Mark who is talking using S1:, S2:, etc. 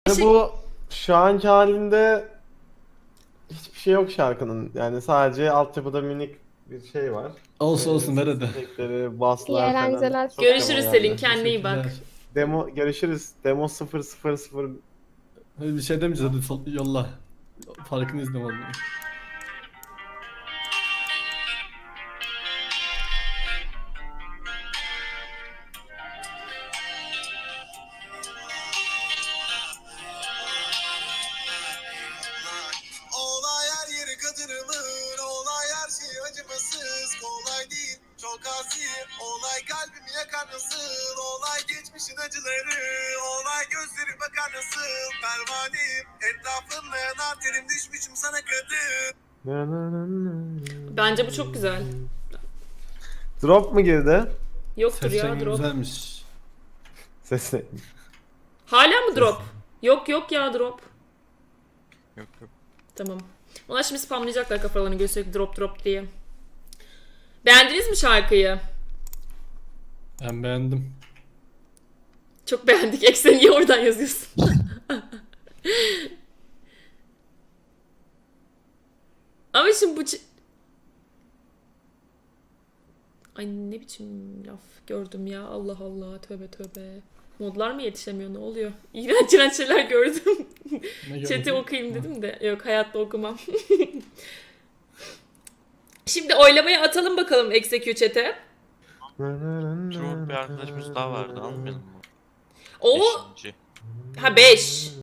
S1: Bu şu anki halinde hiçbir şey yok şarkının. Yani sadece altyapıda minik bir şey var.
S2: Olsun olsun ver hadi.
S1: Efektleri,
S3: İyi
S1: basslar falan.
S3: eğlenceler.
S1: Çok
S4: Görüşürüz
S1: demo
S4: Selin,
S1: geldi.
S4: kendine iyi bak.
S2: Teşekkürler.
S1: Demo görüşürüz. Demo 000
S2: Hadi bir şey demeyeceğiz hadi yolla. Farkını izle vallahi.
S5: Olay her yeri kadınımın, olay her şey acımasız, kolay değil, çok asi, olay kalbimi yakar nasıl, olay geçmişin acıları, olay gözleri bakar nasıl, pervaneyim, etrafımda yanar terim düşmüşüm sana kadın.
S4: Bence bu çok güzel.
S1: Drop mu girdi?
S4: Yoktur
S2: Ses
S4: ya
S2: rengi
S4: drop.
S2: güzelmiş.
S1: Sesi.
S4: Hala mı drop? Yok yok ya drop.
S6: Yok yok.
S4: Tamam. Onlar şimdi spamlayacaklar kafalarını gösterip drop drop diye. Beğendiniz mi şarkıyı?
S2: Ben beğendim.
S4: Çok beğendik. Eksen niye oradan yazıyorsun? Ama şimdi bu... Ay ne biçim laf gördüm ya. Allah Allah. Tövbe tövbe. Modlar mı yetişemiyor? Ne oluyor? İğrenç iğrenç şeyler gördüm.
S2: Ne
S4: Chat'i
S2: gördün?
S4: okuyayım dedim de. Yok hayatta okumam. Şimdi oylamaya atalım bakalım Execute chat'e.
S6: Şu bir arkadaşımız daha vardı, almayalım mı?
S4: O...
S6: Beşinci.
S4: Ha 5.